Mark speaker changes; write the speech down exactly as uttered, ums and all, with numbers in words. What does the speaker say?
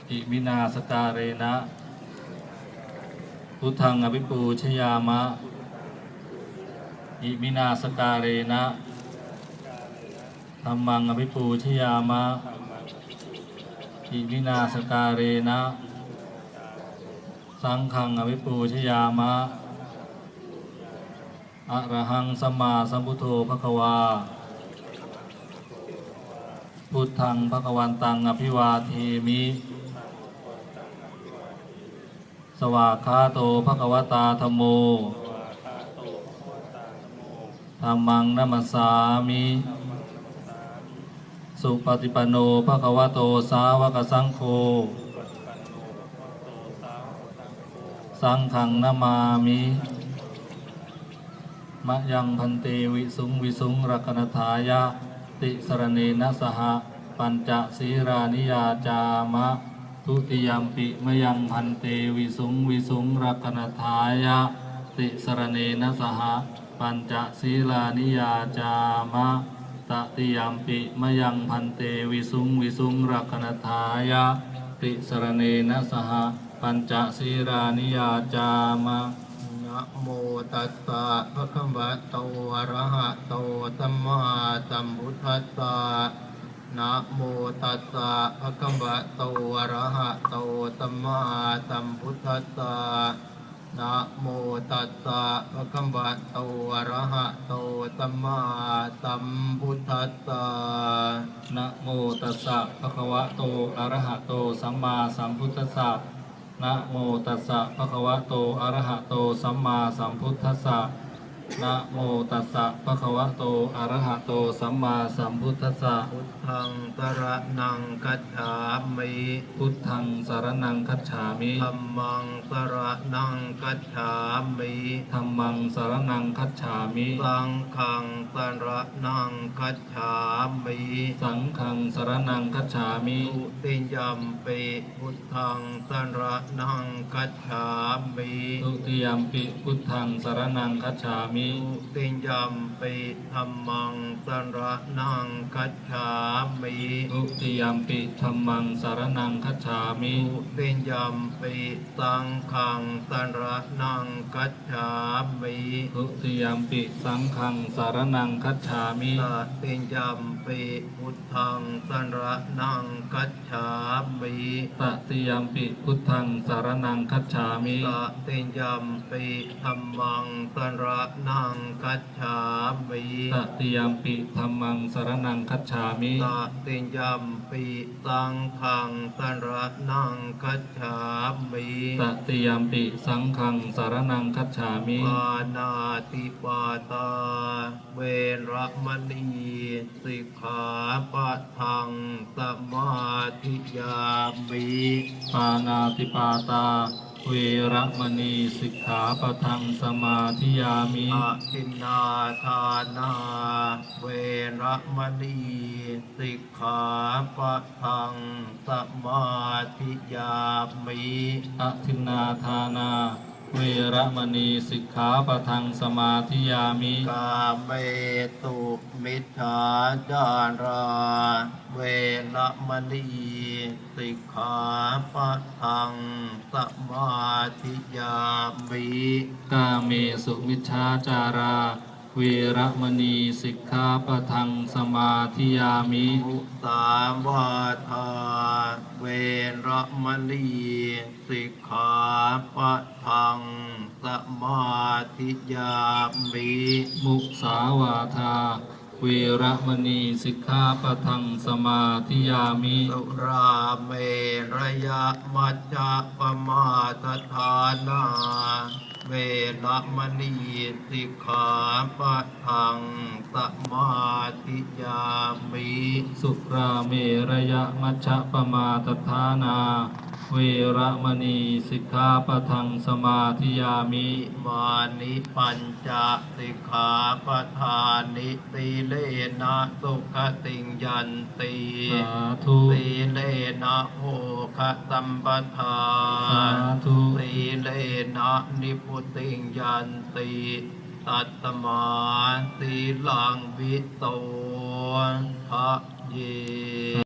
Speaker 1: อิมินาสการเรนะพุทธังอภิปูชยามะอิมินาสการเรนะธัมมังอภิปูชยามะอิมินาสการเรนะสังฆังอภิปูชยามะอะระหังสัมมาสัมพุทโธภควาพุทธังภควันตังอภิวาเทมิสวากขาโตภควตาธัมโมธัมมังนัมสสามิสุปฏิปันโนภควโตสาวกสังโฆสังฆังนามามิมะยังพันเตวิสุงวิสุงรักนถายะติสรเนนะสหปัญจศีรานิยาจามะทุติยัมปิมะยังพันเตวิสุงวิสุงรักนถายะติสรเนนะสหปัญจศีรานิยาจามะตติยัมปิมะยังพันเตวิสุงวิสุงรักนถายะติสรเนนะสหปัญจศีรานิยาจามะนะโมตัสสะภะคะวะโตอะระหะโตสัมมาสัมพุทธัสสะนะโมตัสสะภะคะวะโตอะระหะโตสัมมาสัมพุทธัสสะนะโมตัสสะภะคะวะโตอะระหะโตสัมมาสัมพุทธัสสะนะโมตัสสะภะคะวะโตอะระหะโตสัมมาสัมพุทธัสสะนะโมตัสสะภะคะวะโตอะระหะโตสัมมาสัมพุทธัสสะนะโมตัสสะภะคะวะโตอะระหะโตสัมมาสัมพุทธัสสะพุทธังสรณังคัจฉามิพุทธังสรณังคัจฉามิธัมมังสรณังคัจฉามิธัมมังสรณังคัจฉามิสังฆังสรณังคัจฉามิสังฆังสรณังคัจฉามิทุติยัมปิพุทธังสรณังคัจฉามิทุติยัมปิพุทธังสรณังคัจฉามิทุติยัมปิธัมมังสรณังคัจฉามิทุติยัมปิธัมมังสรณังคัจฉามิทุติยัมปิสังฆังสรณังคัจฉามิทุติยัมปิสังฆังสรณังคัจฉามิตติยัมปิพุทธังสรณังคัจฉามิตติยัมปิพุทธังสรณังคัจฉามิตติยัมปิธัมมังสรณังคัจฉามิตติยัมปิธัมมังสรณังคัจฉามิตติยัมปิสังฆังสรณังคัจฉามิตติยัมปิสังฆังสรณังคัจฉามิปานาติปาตาเวรมณีสิกขาปะทังสมาธิยามิปานาติปาตาเวรมณีสิกขาปะทังสมาธิยามิอาทินนาทานาเวรมณีสิกขาปะทังสมาธิยามิอาทินนาทานาเวรมณีสิกขาปะทังสมาธิยามิกาเมตุมิจฉาจาราเวรมณีสิกขาปะทังสมาธิยามิกาเมสุมิจฉาจาราเวรมณีสิกขาปะทังสมาธิยามิมุสาวาทาเวรมณีสิกขาปะทังสมาธิยามิมุสาวาทาเวรมณีสิกขาปะทังสมาธิยามิสุราเมรยมัจจปมาทฐานาเวรมณีสิกขาปะทังสมาธิยามิสุราเมรยมัชฌปมาทฐานาเวรมณีสิกขาปะทังสมาธิยามิมานิปัญจสิกขาปะทานิสีเลนะสุขติงยันติสาธุสีเลนะโภคสัมปทาสาธุสีเลนะนิพุติงยันติตัตตมาสีลังวิโตภะเย